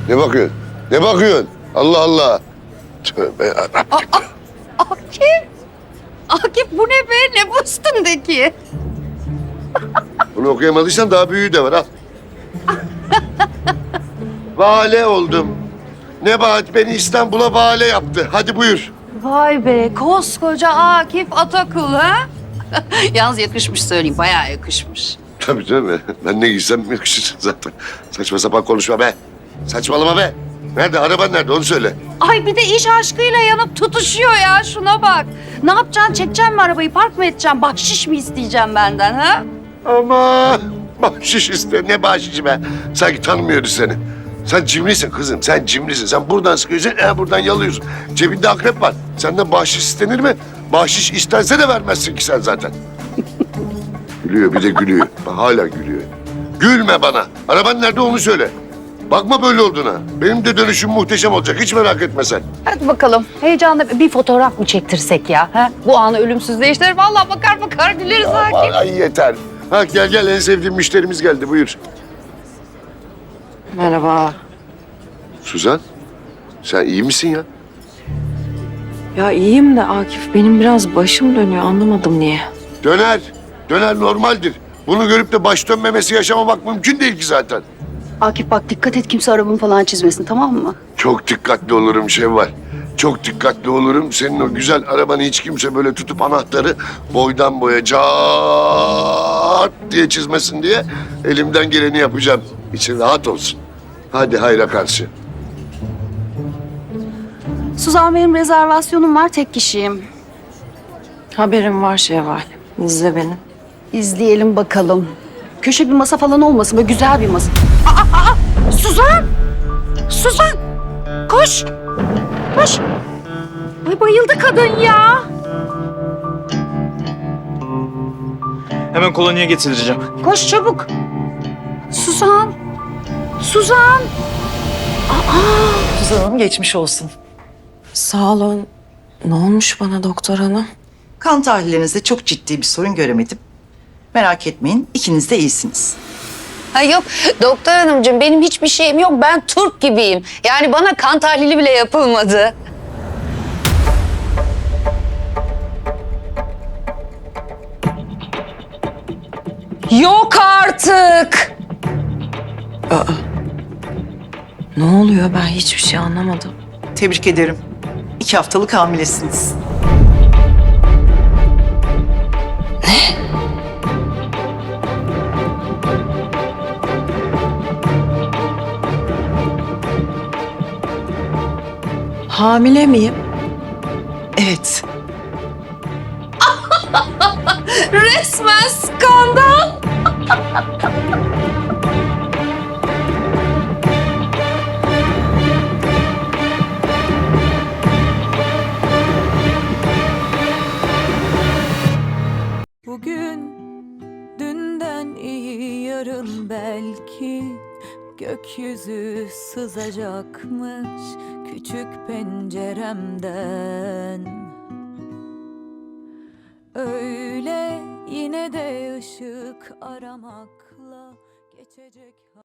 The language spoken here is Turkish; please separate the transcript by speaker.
Speaker 1: Ne bakıyorsun? Ne bakıyorsun? Allah Allah. Tövbe yarabbim.
Speaker 2: Akif! Akif bu ne be? Ne bu üstündeki?
Speaker 1: Bunu okuyamadıysan daha büyüğü de var. Al. Vale oldum. Nebahat beni İstanbul'a vale yaptı. Hadi buyur.
Speaker 2: Vay be koskoca Akif Atakul ha? Yalnız yakışmış söyleyeyim, bayağı yakışmış.
Speaker 1: Tabii tabii. Ben ne giysem yakışır zaten. Saçma sapan konuşma be. Saçmalama be. Nerede? Araban nerede? Onu söyle.
Speaker 2: Ay bir de iş aşkıyla yanıp tutuşuyor ya, şuna bak. Ne yapacaksın, çekeceksin mi arabayı, park mı edeceksin, bahşiş mi isteyeceğim benden ha?
Speaker 1: Ama bahşiş iste. Ne bahşişi be? Sanki tanımıyoruz seni. Sen cimrisin kızım. Sen cimrisin. Sen buradan sıkıyorsun, buradan yalıyorsun. Cebinde akrep var. Senden bahşiş istenir mi? Bahşiş istense de vermezsin ki sen zaten. Gülüyor, bir de gülüyor. Bak, hala gülüyor. Gülme bana. Araban nerede onu söyle. Bakma böyle olduğuna. Benim de dönüşüm muhteşem olacak. Hiç merak etme sen.
Speaker 2: Hadi bakalım, heyecanla bir fotoğraf mı çektirsek ya? Ha? Bu anı ölümsüzleştirir. Vallahi bakar bakar güleriz Akif.
Speaker 1: Ay yeter. Ha, gel gel, en sevdiğim müşterimiz geldi. Buyur.
Speaker 2: Merhaba.
Speaker 1: Suzan, sen iyi misin ya?
Speaker 3: Ya iyiyim de Akif benim biraz başım dönüyor anlamadım niye.
Speaker 1: Döner. Döner normaldir. Bunu görüp de baş dönmemesi yaşamamak mümkün değil ki zaten.
Speaker 2: Akif bak dikkat et, kimse arabamı falan çizmesin, tamam mı?
Speaker 1: Çok dikkatli olurum Şevval. Çok dikkatli olurum. Senin o güzel arabanı hiç kimse böyle tutup anahtarı boydan boya cart diye çizmesin diye elimden geleni yapacağım. İçin rahat olsun. Hadi hayra karşı.
Speaker 2: Suzan, benim rezervasyonum var, tek kişiyim.
Speaker 3: Haberim var Şevval. İzle beni.
Speaker 2: İzleyelim bakalım. Köşe bir masa falan olmasın, böyle güzel bir masa. Suzan! Suzan! Koş! Koş! Ay bayıldı kadın ya!
Speaker 4: Hemen kolonyaya getireceğim.
Speaker 2: Koş çabuk! Suzan! Suzan!
Speaker 5: Suzan Hanım geçmiş olsun.
Speaker 3: Sağ olun. Ne olmuş bana doktor hanım?
Speaker 5: Kan tahlillerinizde çok ciddi bir sorun göremedim. Merak etmeyin, ikiniz de iyisiniz.
Speaker 2: Ha yok doktor hanımcığım, benim hiçbir şeyim yok. Ben Türk gibiyim. Yani bana kan tahlili bile yapılmadı. Yok artık!
Speaker 3: Ne oluyor ben hiçbir şey anlamadım.
Speaker 5: Tebrik ederim. 2 haftalık hamilesiniz.
Speaker 3: Hamile miyim?
Speaker 5: Evet,
Speaker 2: Resmen skandal!
Speaker 6: Bugün dünden iyi, yarın belki gökyüzü sızacakmış küçük penceremden. Öyle yine de ışık aramakla geçecek.